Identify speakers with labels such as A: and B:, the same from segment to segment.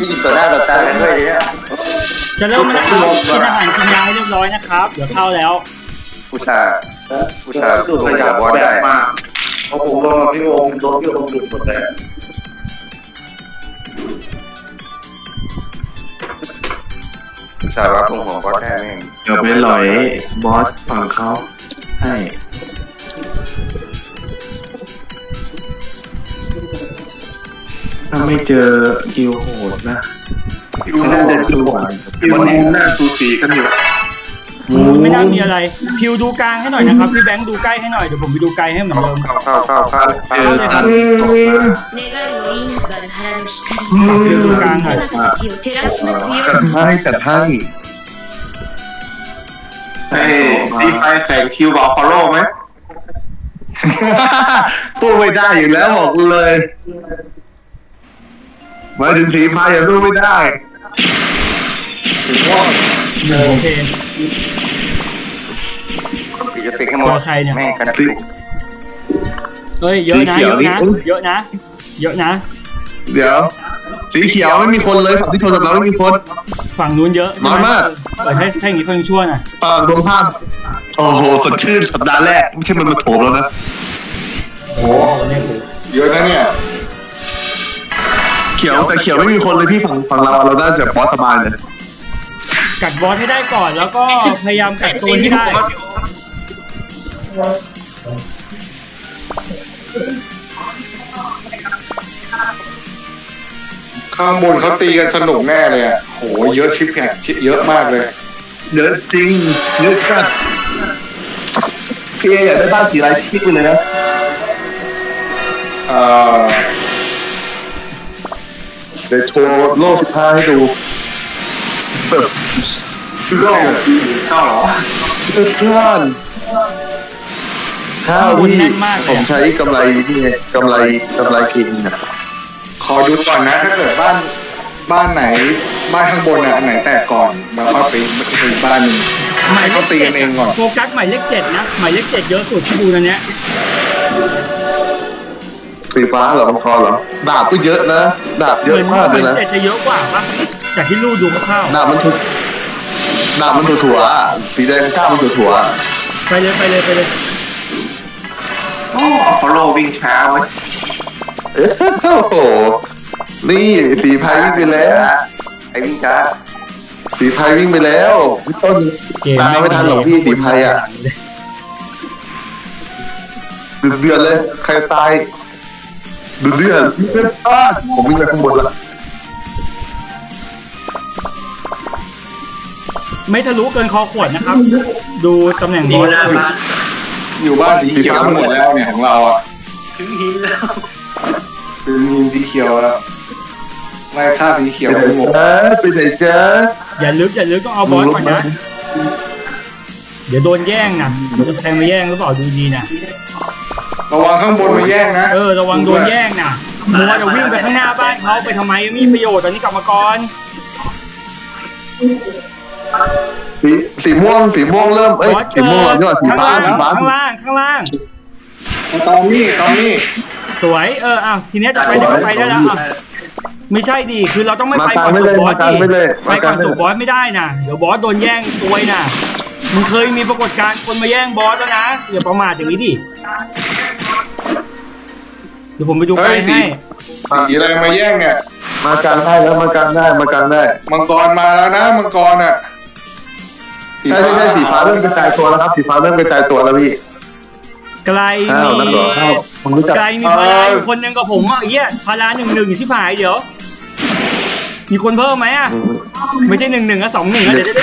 A: ยิงต่อหน้าต่อตากันด้วยเนี่ย
B: จะเริ่มแล้วนะครับกินอาหารกินยาให้เรียบร้อยนะครับเดี๋ยวเข้าแล้ว
A: ผู้ชายดูดยาบอสได้
C: เพราะผมโดนพี่โอมโดนพี่โอมดูดหมดเลย
A: ผู้ชายว่าพุ่งหัวบอสได้แม่ง
D: เดี๋ยวไปหลอยบอสฝั่งเขาให้ถ้าไม่เจอกิวโหดนะน่าจะสู้ไหววันนี้น่าสูสีกันอยู่
B: ไม่น่ามีอะไรพิวดูกลางให้หน่อยนะครับพี่แบงค์ดูใกล้ให้หน่อยเดี๋ยวผมไปดูไกลให้เหมือนเดิม
A: เข้า
B: เลยครับพิวดูกลางหน่อย
D: แต่ให้
C: ดีไปแข่งคิวกับอพอลโลไหม
D: สู้ไม่ได้อยู่แล้วบอกเลยมาถึงสีพายอย่าสู้ไม่ได้
B: โอเค
A: จะเป็นแค่หมดแม่งกันติ
B: เอ้ยเยอะนะเยอะนะเยอะนะเยอะนะ
D: เดี๋ยวสีเขียวไม่มีคนเลยฝั่งที่ชนกับเราไม่มีคน
B: ฝั่งนู้นเยอะ
D: น้อยมาก
B: ถ้าอย่างนี้เขายังชั่วน่ะ
D: ตรงภาพโอ้โหสดชื่นสัปดาห์แรกไม่ใช่มันมาโถมแล้วนะ
A: โอ้เยอะนะเนี่ย
D: เขียวแต่เขียวไม่มีคนเลยพี่ฝั่งเราน่าจะบอสสบายเลย
B: กัดบอสให้ได้ก่อนแล้วก็พยายามกัดโซนให้ได้
C: ข้างบนเขาตีกันสนุกแน่เลยอ่ะโหเยอะชิปเนี่ยเยอะมากเลย
D: เยอะจริงเยอะจัดพี่อยากได้บ้านสีอะไรคิดไปเลยนะเดี๋ยวโชว์โลก15ให้ดูแบบโลก
C: เข้าเหรอ
D: เพื่อนข้าวที่ผมใช้กำไรนี่ไงกำไรกินนะ
C: ขอดูก่อนนะถ้าเกิดบ้านไหนบ้านข้างบนอ่ะอันไหนแตกก่อนแล้วก็ไปบ้านนึง
B: หมายเล
C: เขา
B: ข
C: ตีกันเองก่อน
B: โฟกัสหมายเลข7นะหมายเลข7เยอะสุดที่ดูตอนเนี้ย
D: สีฟ้าเหรอมังกรเหรอดาบก็เยอะนะดาบเยอะมากเลยนะ
B: 7จะเยอะกว่าปะจากที่ลูกดูคร่าว
D: ๆดาบมันถั่วสีแดงก้าวมันถั่ว
B: ไปเลย
C: โอ้ฟอลโล่วิ่งช้าไว้
D: โอ้โหนี่สีพายวิ่งไปแล้ว
A: ไอ้วิ่งช้า
D: สีพายวิ่งไปแล้วพี่ต้นตามไม่ทันหรอกพี่สีพายอ่ะเดือดเลยใครตายเดือดชาติผมวิ่งไปข้างบนละ
B: ไม่ทะลุเกินคอขวดนะครับดูตำแหน่งบอส
C: อยู่บ้านสีเขียวหมดแล้วเนี่ยของเราอ่ะ
E: ถึงหินแล้ว
C: ถึงหินสีเขียวแล้วไล่ฆ่าสีเขียว
D: ไปหมดไปไหนจ๊ะ
B: อย่าลึกต้องเอาบอสก่อนนะเดี๋ยวโดนแย่งนะโดนใครมาแย่งหรือเปล่าดูดีนะ
C: ระวังข้างบนมาแย่งนะ
B: ระวังโดนแย่งนะมัวจะวิ่งไปข้างหน้าบ้านเขาไปทำไมมีประโยชน์ตอนนี้กลับมาก่อน
D: สีม่วงเริ่มสีม่วงยอดสีฟ้า
B: ข้างล่าง
C: ตอนนี้
B: สวยทีนี้จะไปได้แล้วไม่ใช่ดิคือเราต้องไม่ไปก่อนจบบอสดิไปก่อนจบบอสไม่ได้นะเดี๋ยวบอสโดนแย่งซวยนะมันเคยมีปรากฏการณ์คนมาแย่งบอสแล้วนะอย่าประมาทอย่างนี้ดิเดี๋ยวผมไปดูไกลให้
C: สีอะไรมาแย่งเนี่ย
D: มากลางได้แล้วมากลางได้มั
C: งกรมาแล้วนะมังกรอ่ะ
D: ใช่สีฟ้าเริ่มกระจายตัวแล้วครับสีฟ้าเริ่มกระจายตัวแล้วพี่
B: ไกลมีพาราอยู่คนหนึ่งกับผมอ่ะพารา1-1ชิบหายเดี๋ยวมีคนเพิ่มไหมไม่ใช่1-1อ่ะ2-1เดี๋ยว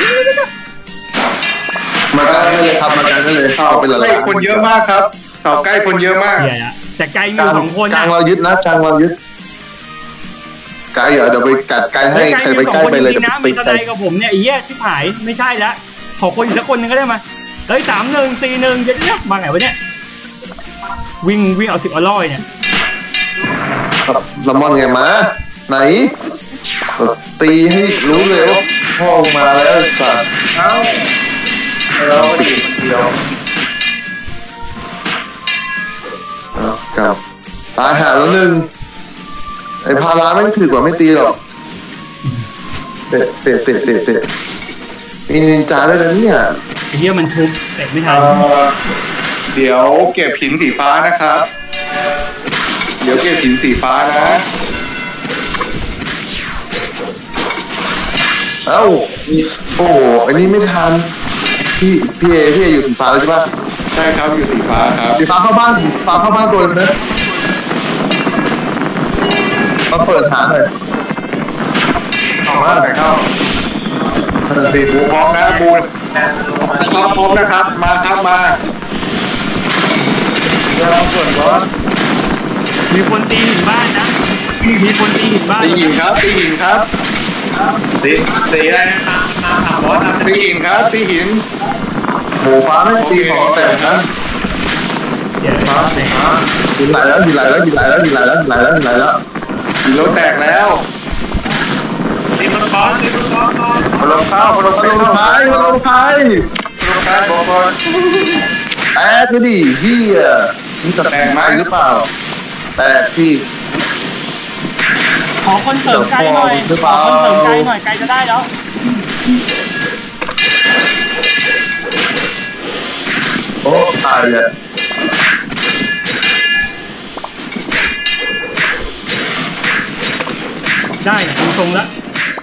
D: มากันได้เลยครับมากันได้เลยเข้าไปเลย
C: คนเยอะมากครับเสาใกล้คนเยอะมาก
B: แต่ไกลมี2คน
D: กลางเรายึดนะกลางเรายึดไกลเดี๋ยวไปกัดไกลให้ใครไปใกล้ไปเลย
B: นะมีสไลด์กับผมเนี่ยชิบหายไม่ใช่ละขอคนอีกสักคนนึงก็ได้มา3-1 4-1เดี๋ยวมาไงวะเนี่ยวิ่งเอาถึงอร่อยเนี่ย
D: ละมอนไงมาไหนตีให้รู้เลยว่าพ่อมาแล้วสัตว์
C: เราดีคนเดียว
D: กับตายหาแล้ว1ไอ้พาราไม่ถือกว่าไม่ตีหรอกะมีนินจาด้วยนะเนี่ย
B: ไอ้เหี้ยมันชุบเตะไม่ทัน
C: เดี๋ยวเก็บหินสีฟ้านะครับ เดี๋ยวเก็บหินสีฟ้านะ
D: เอ้าโอ้อันนี้ไม่ทันพี่เออยู่สีฟ้าแล้วใช่ปะ
C: ใช่ครับอยู่สีฟ้าครับ
D: สีฟ้าเข้าบ้านตัวนึงนะมาเปิดหาหน่อยเข้ามาเข้า
C: สีบูพร้อมนะบูพร้อมนะครับมาครับมาเดี๋ยวเราส่วนก่อน
B: มีคนตีหินบ้านนะมีคนตีหินบ้าน
C: ตีหินครับตีหินครับตีอะไรนะบอสตีหินครับตีหิน
D: หมูฟ้าไม่ตีของแต่นะ
B: เสียฟ้าแตก
D: ยิงไหลแล้วหินรถแตกแล้ว
C: ตีมันบอสตีมันบอส
D: มาลงท้ายบอกก่อนแอบไปดิเฮียนี่จะแตกไหมหรือเปล่าแตกที่
B: ขอคนเสริมไกลหน่อยขอคนเสริมไกลหน่อยไกลจะได้แล้ว
D: โอ้ตายเลย
B: ได้ตรงแล้ว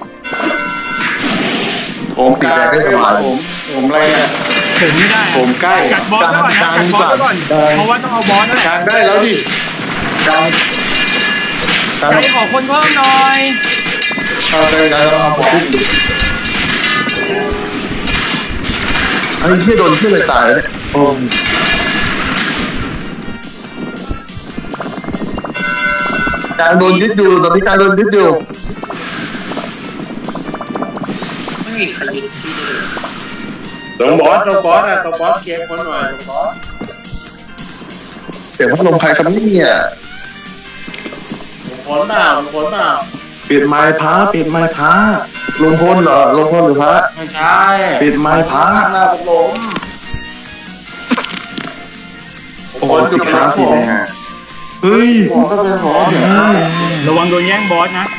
C: ผมกลางผมอะไรเนี่ย
B: ถึงไม่ได้
C: ผมใกล้
B: จัดบอสไว้ก่อนนะจัดบอสไว้ก่อนเพราะว่าต้องเอาบอสนั่นแหละ
C: กลางได้แล้วดิกลาง
B: ไกลขอคนเพิ่มหน่อย
C: เอาไปแล้วเอาผม
D: ไอ้เฮียโดนเฮียเลยตายเลยโอ้การโดนยึดอยู่ตอนนี้การโดนยึดอยู่
C: ตรงบอสอะตรงบอสเก็บคนหน่อยตรงบอส
D: เสียงพัดลมใครครับเนี่ย
C: ผลเปล่า
E: ปิดไม้พระปิดไม้พระ
D: ลงพลเหรอลงพลหรือพระ
C: ไม่ใช่
E: ปิดไม้พระ
C: หน้าผม
E: โอ้โหสิบครั้งผมเฮ้ย
C: ผมก็เป็นหมอเนี่ย
B: ระวังโดนแย่งบอสนะ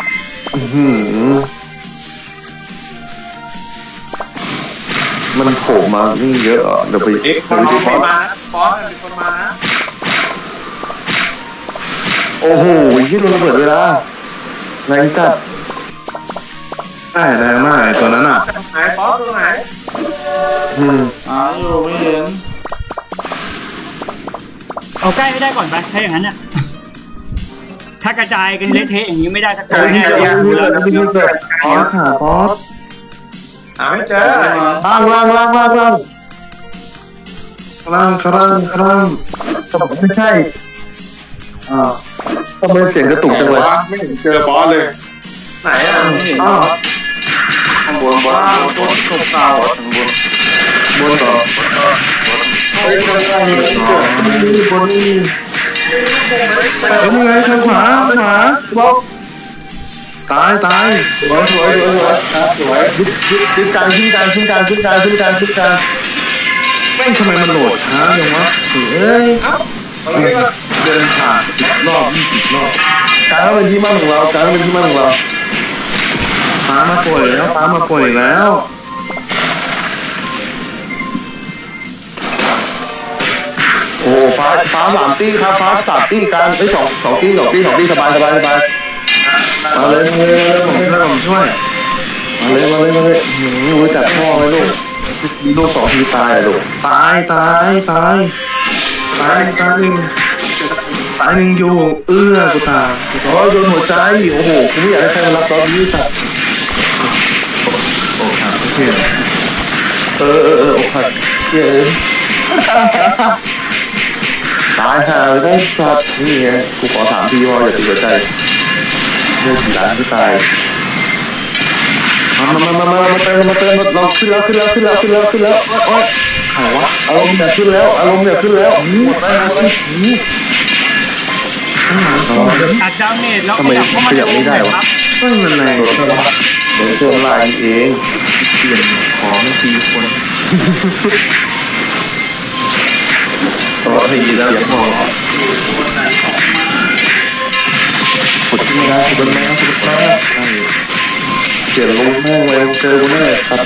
D: มันโผล่มานี่เยอะอ่ะเดี๋ยวไป
C: เอ็กซ์คนไม่มานะบอสเป็นคนมานะ
D: โอ้โหยี่โดนระเบิดเวลาแรงจัด
E: ได้แรงมากไอ้ตัวนั้นอ่ะ
C: ไหนบอสตรงไหนอยู่ไม่เห็น
B: เอาใกล้ให้ได้ก่อนไปถ้าอย่างนั้นเนี่ยถ้ากระจายกันเละเทะอย่างนี้ไม่ได้สักโซนแน่เลย
E: บอสค่ะบอส
C: หาไม่เจอ
D: ล่าง
E: กำลัง
D: ไม่ใช่ทำไมเสียงกระตุกจังเลย
C: ไม่เห็นเจอบอสเลยไหนอ่ะไม่เห็นบอสข้างบนบอสบนตกเตาบนต่อเฮ้ยคนอะไรนี่บนนี่
E: เป็นไงทางขวาบล็อกตาย
C: สวยครับสวย
D: ขึ้นกลาง
E: แม่งทำไมมันโหลดช้าจังวะเฮ้ยเดินผ่าน10 รอบ 20 รอบ
D: กลางเป็นที่มั่นของเรา
E: ฟ้ามาป่วยแล้ว
D: โอ้ฟ้า3 ตี้ครับฟ้า3 ตี้กลาง2 ตี้สบายมาเลย
E: ผมช่วย
D: มาเลยรู้จักพ่อไหมลูกมีลูก2 ทีตายลูก
E: ตายหนึ่งอยู่กูตาย
D: โอ้โดนหัวใจโอ้โหกูไม่อยากให้ใครมารับตอนนี้สัตว์
E: โอ้ครับโอเค
D: โอ้ขัดเย้ตายห่าได้สัตว์นี่ไงกูขอถามพี่ว่าอย่าตีหัวใจเรื่องกี่ล้านก็ตายมาเติมเราขึ้นแล้วโอ๊ย
E: ใครวะ
D: อารมณ์เนี่ยขึ้นแล้วหมดแล้ว
B: อัดดาเมจแล้วขยับเข้ามาในวงหน่อยครับ
E: ไม่มันแรง
D: โดนเครื่องลายเอง
E: เปลี่ยนของตีคน
D: ตัวทีแล้วอย่าพอขุดขึ้นมาขุดมาเปลี่ยนลงแม่งเลยเจอกูแน่ครับ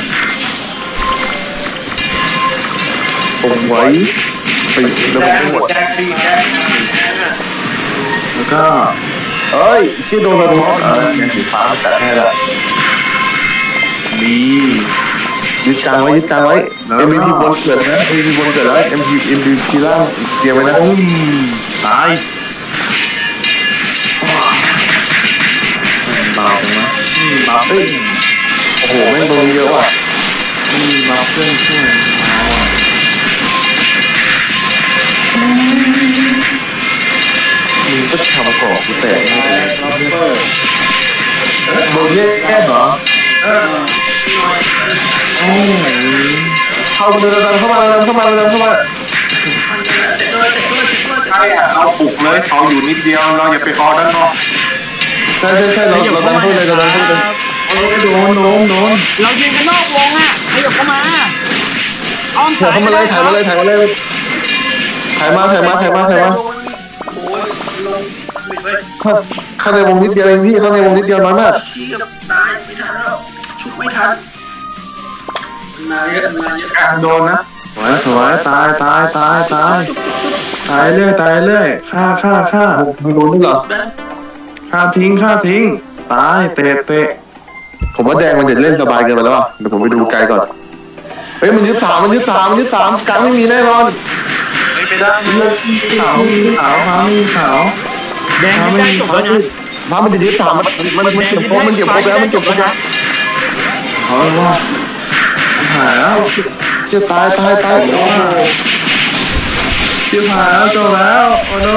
D: ผมไว้ไปแล้วผมไม่หมด
C: แจ็คดีแจ็ค
E: แล้วก็
D: เอ้ยที่โดนระเบิดยังสีฟ้าแต่แค่ละ
E: ดี
D: ยึดกลางไว้ยึดกลางไว้ MVP บนเกิดนะ MVP บนเกิดแล้ว MVP ล่างเตรียมไว้นะ
E: ตายเบาจังวะเบา
D: เฮ้ยโอ้โหแม่งโดนเยอะว่ะ
E: เบาเพื่อนช่วยเอาอ่ะ
D: มึงก็ทำก่อกูแตกให้เลย
C: ล็อบเบอร์
D: โดนแย่เหรอ
E: โอ้ย
D: เข้ามาเลยเข้ามาเลยเข้ามาเลยเข้ามา
C: ใช่อ่ะเราปลุกเลยเขาอยู่นิดเดียวเราอย่าไปออด้านนอก
D: ใช่เรา
B: ขยับ
D: ดั
B: เข้าน มา
D: เข้าเลยเราดันเข้าเลย
E: โดน
B: เรายืนกันนอกวงอ่ะขยับเข้ามาอ้อม
D: ถ่า
B: สาย ย
D: เข้ามาเลยถ่ายมาเลยถ่ายมาเลยถ่ายมาเข้าในวงนิดเดียวเองพี่เข้าในวงนิดเดียวน้อยมาก
F: ชี้กับตายไม่ทันแล้วชุดไม่ทันมาเยอะมาเยอะ
C: กลางโดนนะ
E: สวยตายตายเรื่อยฆ่า
D: ไม่รู้นี่เหรอ
E: ฆ่าทิ้งตายเตะ
D: ผมว่าแดงมันจะเล่นสบายเกินไปแล้วเดี๋ยวผมไปดูไกลก่อนเฮ้ยมันยึดสามกลางไม่มีแน่นอน
C: ไม่ได้
E: ขาวขาว
B: แดงที่ได้จบแล้วนะ
D: พามันจะยึดสามมันเก็บครบแล้วมันเก็บครบแล้ว
E: เอาว่าหายแล้ว
D: จะตายโอ้โห
E: ชิบหายแล้วจบแล้วโอ้โห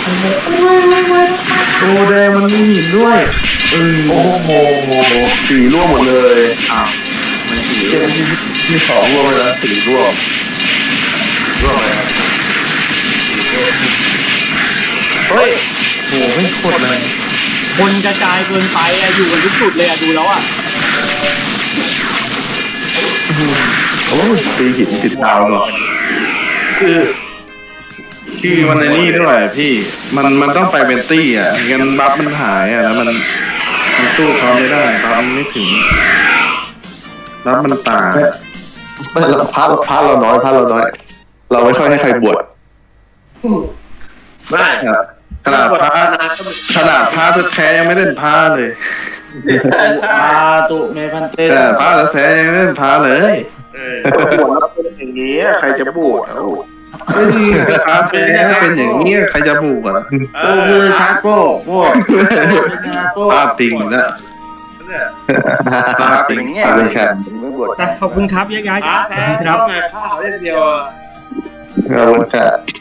E: ตัวแดงมันมีหินด้วย
D: โอ้โหสีร่วงหมดเลย
E: อ้าวมันสี
D: เกมที่สองร่วงเลยนะสีร่วงเลยเฮ้ย
E: โอ้ไม่โคตรเลย
B: คนกระจายเกินไปอะอยู่กันทุกจุดเลยอะดูแล้วอะ
D: โอ้ตีหินติดดาวหรอ
E: คือมันในนี่ด้วยพี่มันต้องไปเป็นตี้อ่ะงั้นบัฟมันหายอ่ะแล้วมันสู้เขาไม่ได้บัฟมันไม่ถึงบัฟมันต่าง
D: ไม่พาเราน้อยเราไม่ค่อยให้ใครบวช
C: ไม่
E: ขนาดพระแท้ยังไม่เล่นพระเลย
F: ตุเมพันเต้
E: แต่พระแท้ยังไม่เล่นพระเลย
A: บวชแล้วเป็นอย่างนี้ใครจะบวชเอา
E: ไม่จริงพระแท้เป็นอย่างนี้ใครจะบูกอ่ะ
F: โอ้คือชาโก้พวก
E: พระปิงนะ
A: เป็นอย่างเงี้ยไม่บวช
B: แต่ขอบคุณครับย้ายๆขอบคุณครับ
C: ข้าวเล่นเดียว
D: ขอบคุณครับ